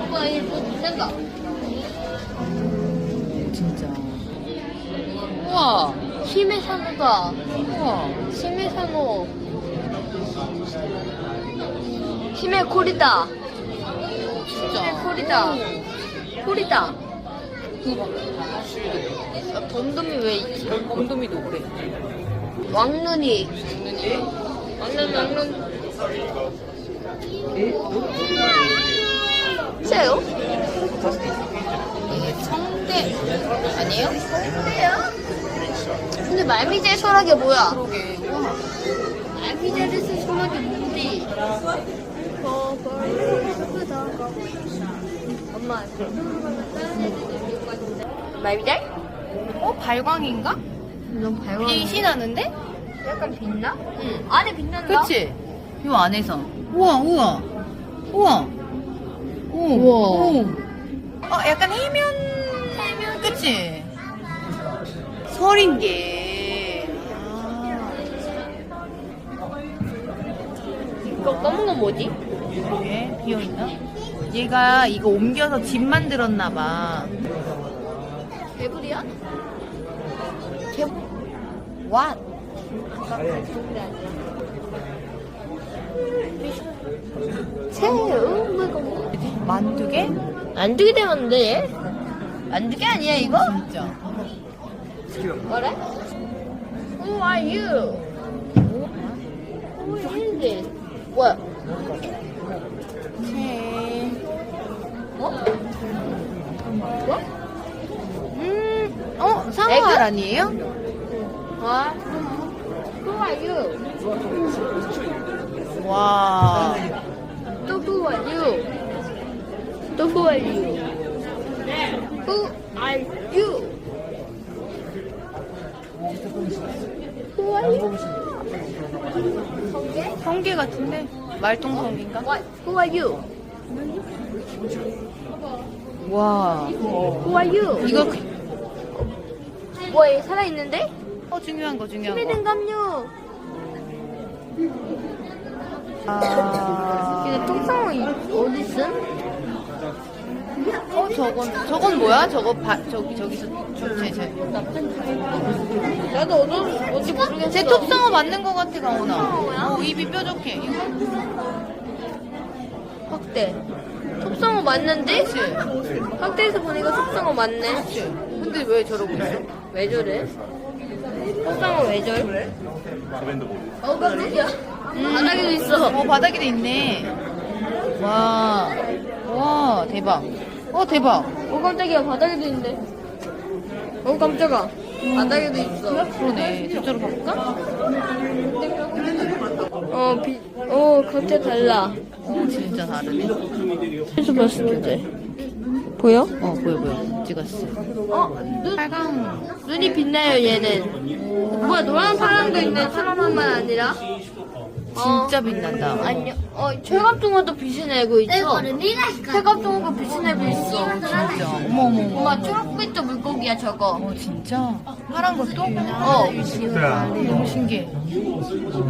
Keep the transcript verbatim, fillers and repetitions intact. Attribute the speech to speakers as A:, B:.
A: 오빠 이거 된다.
B: 진짜. 우와.
A: 힘의 산호다.
B: 우와.
A: 힘의 산호. 힘의 콜이다. 힘의 콜이다. 콜이다. 아, 덤덤이 왜 있지?
B: 곰돌이도 그래.
A: 왕눈이. 왕눈 왕눈. 새요?
B: 이게 성대 아니에요?
A: 새요? 근데 말미잘 소라게 뭐야?
B: 그러게. 우와.
A: 말미잘에서 소라게 뭔데? 엄마. 말미잘?
B: 어 발광인가?
A: 너무 밝아.
B: 빛이 나는데?
A: 약간 빛나?
B: 응.
A: 안에 빛난다.
B: 그치? 요 안에서. 우와 우와. 우와. 오.
A: 우와.
B: 오. 어 약간 해면. 해면. 그치? 설인 게. 아.
A: 이거 검은 건 뭐지?
B: 그게 비어있나? 얘가 이거 옮겨서 집 만들었나봐.
A: 개불이야? 개불.
B: 왓?
A: 새우? 뭐가 뭐?
B: 만두개?
A: 안 두게 되는데 얘? 안 두게 아니야 이거?
B: 진짜.
A: 뭐래? Who are you? Who is this? 뭐야?
B: 새.
A: 어? 뭐?
B: 음, 어? 상어알 아니에요?
A: 아? Who are you?
B: 와.
A: 또 who are you? 또 who are you? Who are you? Who are you? 성게?
B: 성게 같은데? 말똥성게인가?
A: What? Who are you?
B: 와.
A: Who are you?
B: 이거,
A: 뭐, 얘 살아있는데?
B: 어, 중요한 거, 중요한
A: 힘이
B: 거.
A: 든 감요.
B: 아.
A: 근데 똥상어 어디 있음?
B: 어, 저건, 저건 뭐야? 저거, 바, 저기, 저기서, 저, 제, 제.
A: 나도 어디, 어디 모르겠어.
B: 제 톱상어 맞는 거 같아, 가오나.
A: 톱상어야?
B: 어, 입이 뾰족해. 이거.
A: 확대. 톱상어 맞는데?
B: 그치?
A: 확대해서 보니까 톱상어 맞네.
B: 그치? 근데 왜 저러고 있어?
A: 왜 저래? 톱상어 왜 저래? 어, 깜짝이야. 바닥에도 있어.
B: 어, 바닥에도 있네. 와. 와, 대박. 어, 대박.
A: 어, 깜짝이야. 바닥에도 있는데. 어, 깜짝아. 바닥에도 있어.
B: 그러네. 저쪽으로 가볼까?
A: 어, 비, 어, 각자 달라.
B: 어, 진짜 다르네.
A: 해서 봤을 때. 보여?
B: 어, 보여, 보여. 찍었어.
A: 어, 눈,
B: 빨강.
A: 눈이 빛나요, 얘는. 뭐야, 노란 파란도 있네. 사람만 아니라.
B: 진짜 빛난다.
A: 아니요. 어, 철갑종어도 빛을 내고 있어. 철갑종어가 빛을 내고 있어.
B: 진짜. 어머, 어머, 어머.
A: 엄마, 초록빛도 물고기야, 저거.
B: 어, 진짜? 파란 것도?
A: 어.
B: 너무 신기해.